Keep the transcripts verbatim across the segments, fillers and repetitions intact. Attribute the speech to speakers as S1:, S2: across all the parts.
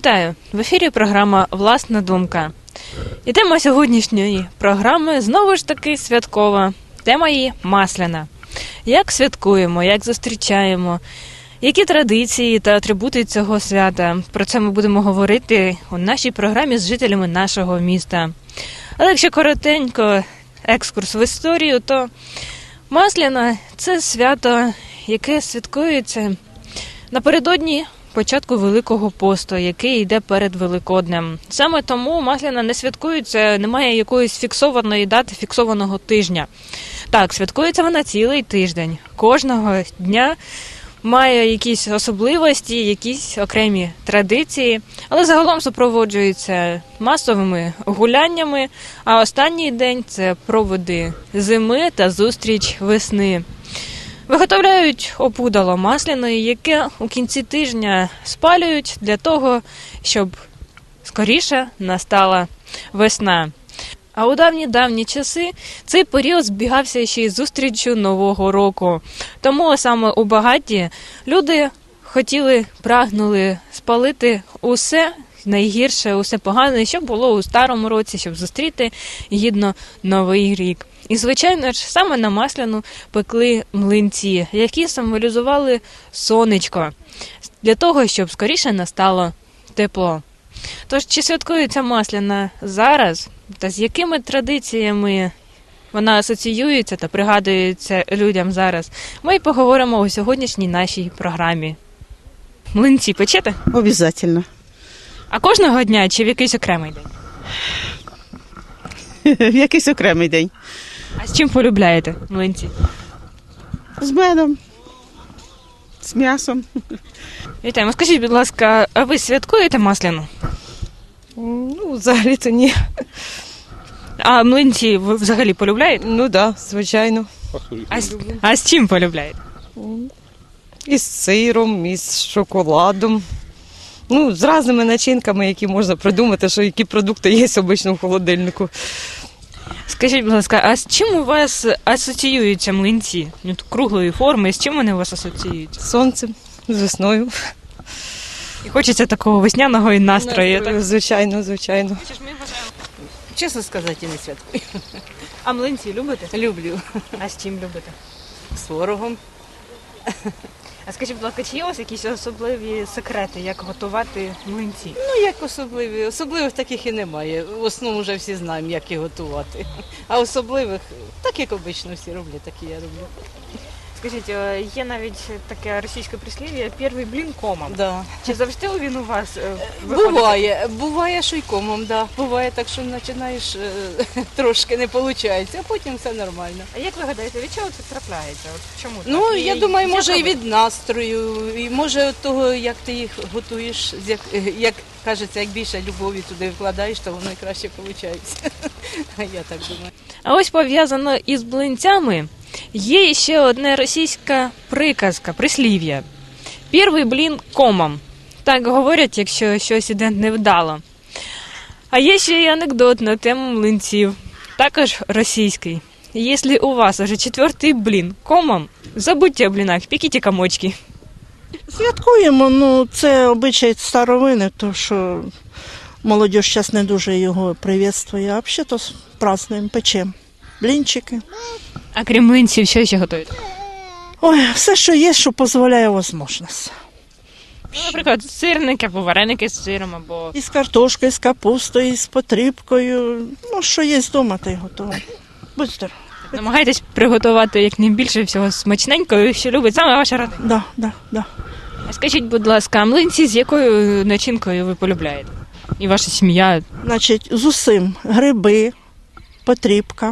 S1: Вітаю! В ефірі програма «Власна думка». І тема сьогоднішньої програми знову ж таки святкова. Тема її – масляна. Як святкуємо, як зустрічаємо, які традиції та атрибути цього свята. Про це ми будемо говорити у нашій програмі з жителями нашого міста. Але якщо коротенько екскурс в історію, то масляна – це свято, яке святкується напередодні початку Великого посту, який йде перед Великоднем. Саме тому масляна не святкується, немає якоїсь фіксованої дати, фіксованого тижня. Так, святкується вона цілий тиждень. Кожного дня має якісь особливості, якісь окремі традиції, але загалом супроводжується масовими гуляннями, а останній день – це проводи зими та зустріч весни. Виготовляють опудало масляної, яке у кінці тижня спалюють для того, щоб скоріше настала весна. А у давні-давні часи цей період збігався ще й зустрічю Нового року. Тому саме у багаті люди хотіли, прагнули спалити усе найгірше, усе погане, що було у старому році, щоб зустріти гідно Новий рік. І, звичайно ж, саме на масляну пекли млинці, які символізували сонечко, для того, щоб скоріше настало тепло. Тож, чи святкується масляна зараз, та з якими традиціями вона асоціюється та пригадується людям зараз, ми й поговоримо у сьогоднішній нашій програмі. Млинці печете?
S2: Обязательно.
S1: А кожного дня чи в якийсь окремий день?
S2: В якийсь окремий день.
S1: А з чим полюбляєте млинці?
S2: З медом, з м'ясом.
S1: Вітаємо. Скажіть, будь ласка, а ви святкуєте масляну?
S3: Ну, взагалі-то ні.
S1: А млинці ви взагалі полюбляєте?
S3: Ну так, да, звичайно.
S1: А, з- а з чим полюбляєте?
S3: І з сиром, і з шоколадом. Ну, з різними начинками, які можна придумати, що які продукти є обично в холодильнику.
S1: Скажіть, будь ласка, а з чим у вас асоціюються млинці? Ну, круглої форми, з чим вони у вас асоціюються?
S3: З сонцем, з весною.
S1: І хочеться такого весняного і настрою. Так?
S3: Звичайно, звичайно.
S4: Чесно сказати, не святкую.
S1: А млинці любите?
S4: Люблю.
S1: А з чим любите?
S4: З творогом.
S1: А скажіть, будь ласка, чи є у вас якісь особливі секрети, як готувати млинці?
S4: Ну, як особливі. Особливих таких і немає. В основному вже всі знаємо, як їх готувати. А особливих, так як обично всі роблять, так і я роблю.
S1: Скажіть, е, є навіть таке російське прислів'я «перший блін комом».
S4: Да.
S1: Чи завжди він у вас е, виходить?
S4: Буває, буває, що й комом, да. Буває так, що починаєш е, трошки не виходить, а потім все нормально.
S1: А як ви гадаєте, від чого це трапляється? От чому
S4: Ну,
S1: так?
S4: я
S1: І-
S4: думаю,
S1: як
S4: може і
S1: робити?
S4: від настрою, і може від того, як ти їх готуєш, з як, як кажеться, як більше любові туди вкладаєш, то воно і краще виходить. Я так думаю.
S1: А ось пов'язано із блинцями є ще одна російська приказка, прислів'я. «Перший блін комом». Так говорять, якщо щось іде невдало. А є ще й анекдот на тему млинців, також російський. Якщо у вас уже четвертий блін комом, забудьте о блінах, пікіть комочки.
S2: Святкуємо, ну це обичай старовини, то що молодь зараз не дуже його привітствує, а взагалі-то празднуємо, печемо. Блінчики.
S1: А крім млинців, що ще готуєте?
S2: Ой, все, що є, що дозволяє можливість.
S1: Ну, наприклад, сирники або вареники з сиром, або...
S2: І з картошкою, і з капустою, і з потрібкою. Ну, що є вдома, та й готово. Будь здоров.
S1: Намагайтесь приготувати якнайбільше всього смачненького, що любить саме ваша родина.
S2: Да, да, да.
S1: А скажіть, будь ласка, а млинці з якою начинкою ви полюбляєте? І ваша сім'я?
S2: Значить, з усім гриби, потрібка.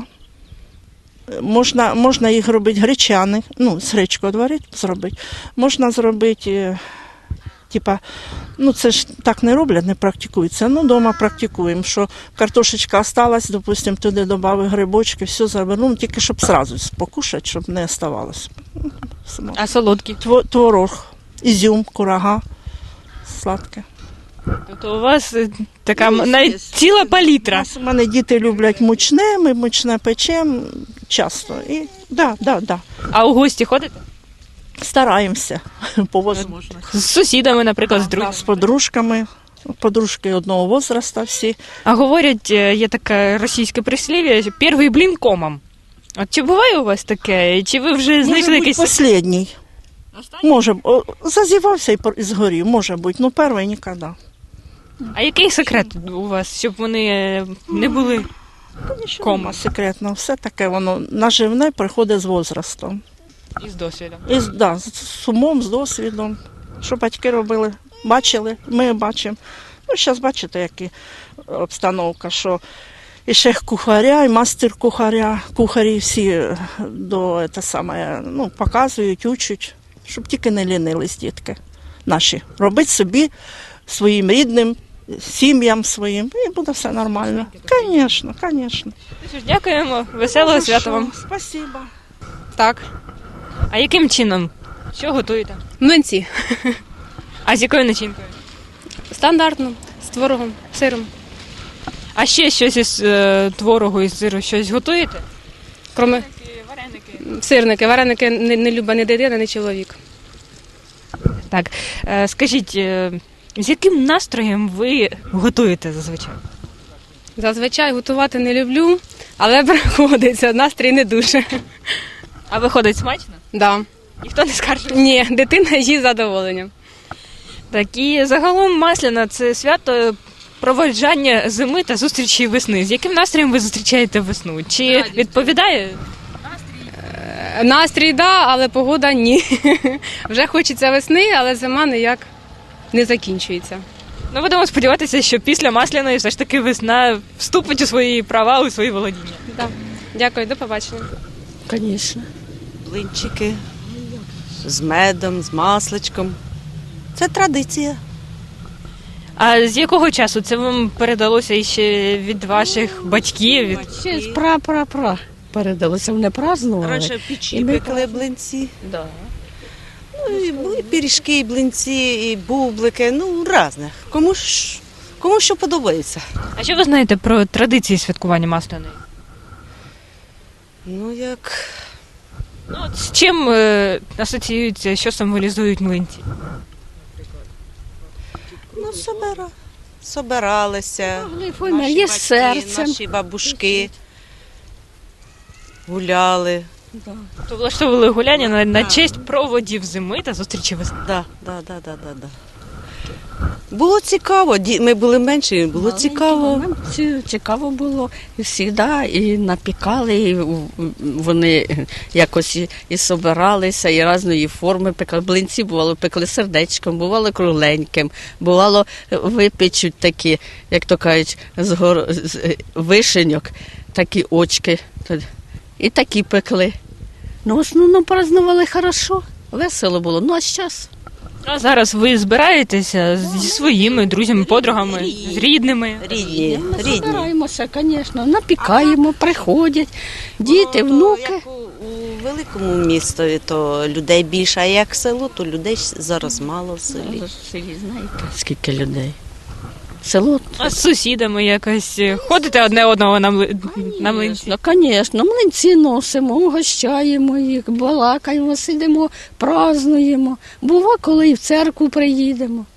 S2: Можна, можна їх робити гречаних, ну, з гречкою варити, зробити. Можна зробити, е, типа, ну це ж так не роблять, не практикується. Ну, вдома практикуємо, що картошечка осталась, допустимо, туди додали грибочки, все зробили, ну, тільки щоб одразу покушати, щоб не оставалося.
S1: А солодкі?
S2: Тво- Творог, ізюм, курага, сладке.
S1: Тобто у вас е, така
S2: Ну,
S1: м- навіть
S2: естественно.
S1: ціла палітра.
S2: У мене діти люблять мучне, ми мучне печемо часто. І, да, да, да.
S1: А у гості ходите?
S2: Стараємося по можливості.
S1: З сусідами, наприклад, з друзями?
S2: З подружками подружки одного возраста всі.
S1: А говорять, е, є таке російське прислів'я, що перший блін комом. От чи буває у вас таке? Чи ви вже знайшли
S2: Може бути
S1: якийсь...
S2: останній. Може, о, зазівався і пор- і згорів, може бути, ну перший ніколи.
S1: А який секрет у вас, щоб вони е, не були?
S2: Нічого
S1: Кома.
S2: нема секретного, все таке воно наживне приходить з возрастом.
S1: Із досвідом.
S2: І з- да, з з умом, з досвідом. Що батьки робили, бачили, ми бачимо. Ну, зараз бачите, яка обстановка, що і шеф кухаря, і мастер кухаря, кухарі всі е, до те саме, ну, показують, учать, щоб тільки не лінились дітки наші. Робити собі, своїм рідним, сім'ям своїм, і буде все нормально. Звісно, звісно.
S1: Що ж, дякуємо, веселого свята вам.
S2: Спасибо.
S5: Так.
S1: А яким чином? Що готуєте?
S5: Млинці.
S1: А з якою начинкою?
S5: Стандартно. З творогом, сиром.
S1: А ще щось із е, творогу із сиру щось готуєте?
S5: Кроме
S1: Вареники.
S5: сирники. Вареники не, не любить ні дитина, ні чоловік.
S1: Так, е, скажіть, е, з яким настроєм ви готуєте зазвичай?
S5: Зазвичай готувати не люблю, але приходиться. Настрій не дуже.
S1: А виходить смачно?
S5: Да.
S1: Ніхто не скаржить?
S5: Ні, дитина їсть з задоволенням.
S1: Так, і загалом Масляна – це свято проводжання зими та зустрічі весни. З яким настроєм ви зустрічаєте весну? Чи відповідає?
S5: Е, Настрій, да, але погода ні. Вже хочеться весни, але зима ніяк не закінчується.
S1: Ну, будемо сподіватися, що після Масляної все ж таки весна вступить у свої права, у свої володіння.
S5: Да. Дякую, до побачення.
S6: Звісно.
S7: Блинчики з медом, з масличком. Це традиція.
S1: А з якого часу це вам передалося іще від ваших батьків? Від...
S6: Ще з пра-пра-пра передалося, вони празднували.
S7: Раніше в печі
S6: І ми
S7: пекли блинці.
S6: Да.
S7: Ну, і були пиріжки, і блинці, і бублики, ну, різне. Кому ж, кому що подобається.
S1: А що ви знаєте про традиції святкування Масляної?
S7: Ну, як
S1: Ну, от з чим е, асоціюються, що символізують млинці?
S7: ну, собира, собиралися.
S6: Глифона
S7: Наші
S6: є
S7: батьки,
S6: серцем.
S7: наші бабушки гуляли.
S1: То влаштовували гуляння на, на честь проводів зими та зустрічі весни.
S7: Да, да, да, да, да, да. Було цікаво, ді- ми були менші, було цікаво.
S6: Нам ці- цікаво було і завжди, і напікали, і в- вони якось і, і собиралися, і різної форми пекли. Блинці бувало пекли сердечком, бувало кругленьким, бувало випечуть такі, як то кажуть, з, гор... з е, вишеньок, такі очки. І такі пекли. Ну, в основному празднували хорошо, весело було. Ну, а зараз?
S1: А зараз ви збираєтеся зі своїми друзями, подругами, з рідними.
S7: Рідні,
S6: Ми
S7: рідні.
S6: збираємося, звісно, напікаємо, приходять діти,
S7: Ну, то
S6: внуки.
S7: Як у, у великому місті, то людей більше, а як село, то людей зараз мало в селі.
S6: Ви ж в селі знаєте, скільки людей. Село.
S1: А з сусідами якось ходите одне одного на, мли... на млинці?
S6: Ну, звісно, млинці носимо, угощаємо їх, балакаємо, сидимо, празднуємо. Бува, коли і в церкву приїдемо.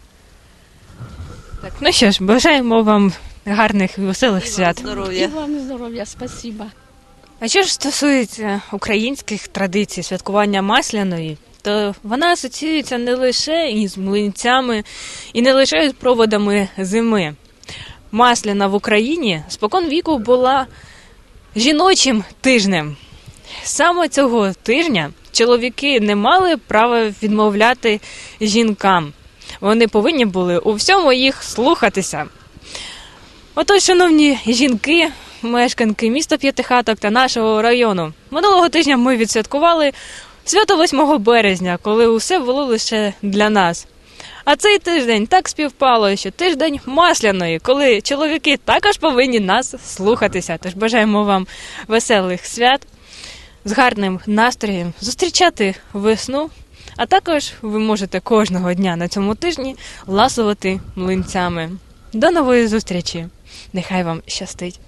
S1: Так, ну що ж, бажаємо вам гарних і веселих свят.
S6: І
S7: Здоров'я.
S6: вам здоров'я, спасибо.
S1: А що ж стосується українських традицій святкування Масляної, то вона асоціюється не лише із млинцями і не лише з проводами зими. Масляна в Україні спокон віку була жіночим тижнем. Саме цього тижня чоловіки не мали права відмовляти жінкам. Вони повинні були у всьому їх слухатися. Отож, шановні жінки, мешканки міста П'ятихаток та нашого району, минулого тижня ми відсвяткували свято восьмого березня, коли усе було лише для нас. А цей тиждень так співпало, що тиждень Масляної, коли чоловіки також повинні нас слухатися. Тож бажаємо вам веселих свят, з гарним настроєм, зустрічати весну, а також ви можете кожного дня на цьому тижні ласувати млинцями. До нової зустрічі! Нехай вам щастить!